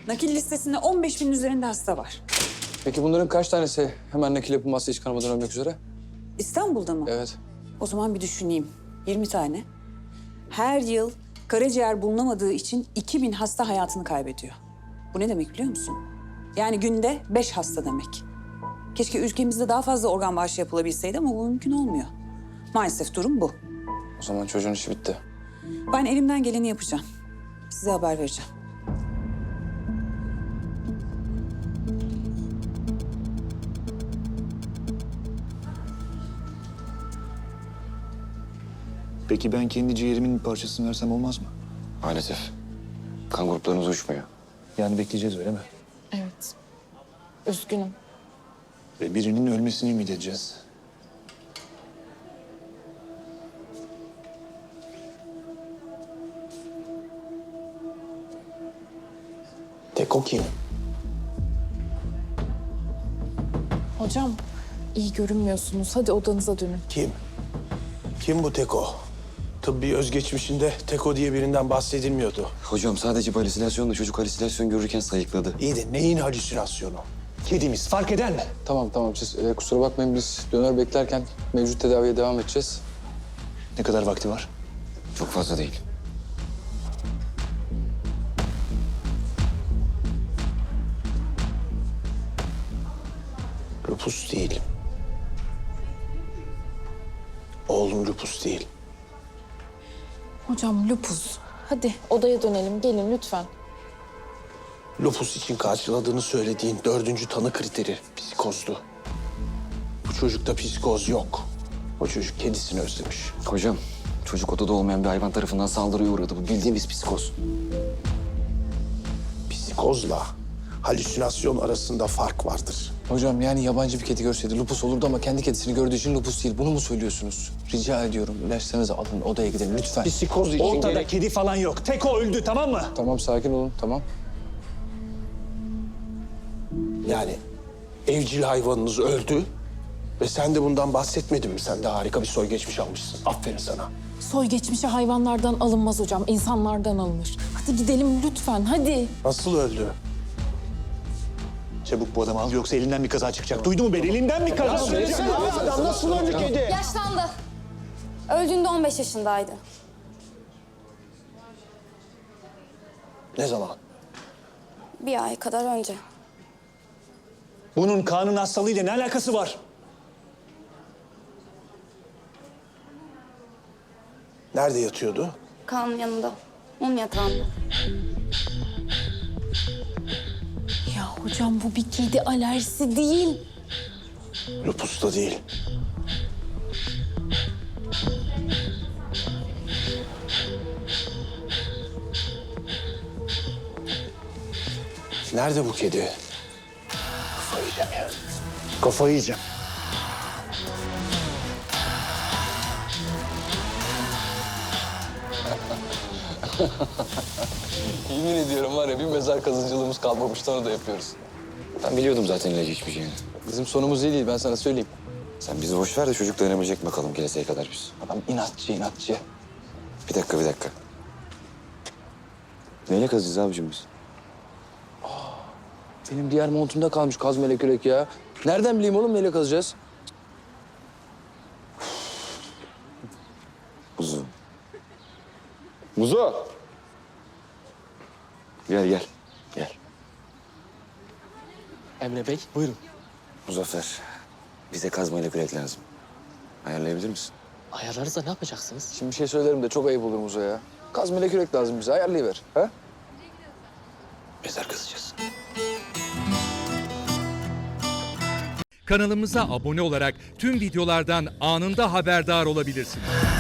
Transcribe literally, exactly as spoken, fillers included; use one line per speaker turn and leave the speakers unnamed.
Nakil listesinde on beş bin üzerinde hasta var.
Peki bunların kaç tanesi hemen nakil yapılmazsa hiç kanamadan ölmek üzere?
İstanbul'da mı?
Evet.
O zaman bir düşüneyim. yirmi tane. Her yıl karaciğer bulunamadığı için iki bin hasta hayatını kaybediyor. Bu ne demek biliyor musun? Yani günde beş hasta demek. Keşke ülkemizde daha fazla organ bağışı yapılabilseydi ama bu mümkün olmuyor. Maalesef durum bu.
O zaman çocuğun işi bitti.
Ben elimden geleni yapacağım. Size haber vereceğim.
Peki ben kendi ciğerimin bir parçasını versem olmaz mı?
Maalesef. Kan gruplarımız uçmuyor.
Yani bekleyeceğiz öyle mi?
Evet. Üzgünüm.
Ve birinin ölmesini ümit edeceğiz.
Teko kim?
Hocam iyi görünmüyorsunuz. Hadi odanıza dönün.
Kim? Kim bu Teko? Tıbbi özgeçmişinde Teko diye birinden bahsedilmiyordu.
Hocam sadece bir halüsinasyonla çocuk halüsinasyon görürken sayıkladı.
İyi de neyin halüsinasyonu? Kedimiz fark eder mi?
Tamam tamam siz e, kusura bakmayın biz döner beklerken mevcut tedaviye devam edeceğiz.
Ne kadar vakti var?
Çok fazla değil.
Lupus değil. Oğlum lupus değil.
Hocam lupus. Hadi odaya dönelim. Gelin lütfen.
Lupus için karşıladığını söylediğin dördüncü tanı kriteri psikozdu. Bu çocukta psikoz yok. O çocuk kedisini özlemiş.
Hocam çocuk odada olmayan bir hayvan tarafından saldırıya uğradı. Bu bildiğimiz psikoz.
Psikozla halüsinasyon arasında fark vardır.
Hocam yani yabancı bir kedi görseydi lupus olurdu ama kendi kedisini gördüğü için lupus değil. Bunu mu söylüyorsunuz? Rica ediyorum ilaçlarınızı alın odaya gidelim lütfen.
Psikoz için
Ortada
gerek...
kedi falan yok. Teko öldü, tamam mı?
Tamam sakin olun tamam.
Yani evcil hayvanınız öldü ve sen de bundan bahsetmedin mi? Sen de harika bir soy geçmiş almışsın. Aferin sana.
Soy geçmişi hayvanlardan alınmaz hocam. İnsanlardan alınır. Hadi gidelim lütfen. Hadi.
Nasıl öldü?
Çabuk bu adamı al yoksa elinden bir kaza çıkacak. Duydu mu beni? Elinden bir kaza çıkacak.
Adam nasıl öldü kedi?
Yaşlandı. Öldüğünde on beş yaşındaydı.
Ne zaman?
Bir ay kadar önce.
Bunun kanun hastalığıyla ne alakası var?
Nerede yatıyordu?
Kaan'ın yanında. Onun yatağında.
Ya hocam bu bir kedi alerjisi değil.
Lupus da değil. Nerede bu kedi? Kafayı yiyeceğim ya.
Kafayı yiyeceğim.
Yemin ediyorum var ya bir mezar kazıcılığımız kalmamıştı onu da yapıyoruz.
Ben biliyordum zaten ilacı içmeyeceğini.
Bizim sonumuz iyi değil ben sana söyleyeyim.
Sen bizi boş ver de çocuk dayanabilecek mi bakalım geleseye kadar biz.
Adam inatçı inatçı.
Bir dakika bir dakika. Neyle kazacağız abicim biz?
Benim diğer montumda kalmış kaz melek yürek ya. Nereden bileyim oğlum neyle kazacağız?
Muzu. Muzu! Gel gel. Gel.
Emre Bey, buyurun.
Muzaffer. Bize kazmayla kürek lazım. Ayarlayabilir misin?
Ayarlarız da ne yapacaksınız?
Şimdi bir şey söylerim de çok ayıp olur Muzo ya. Kaz melek yürek lazım bize ayarlayıver. Ha?
Mezar kazacağız.
Kanalımıza abone olarak tüm videolardan anında haberdar olabilirsiniz.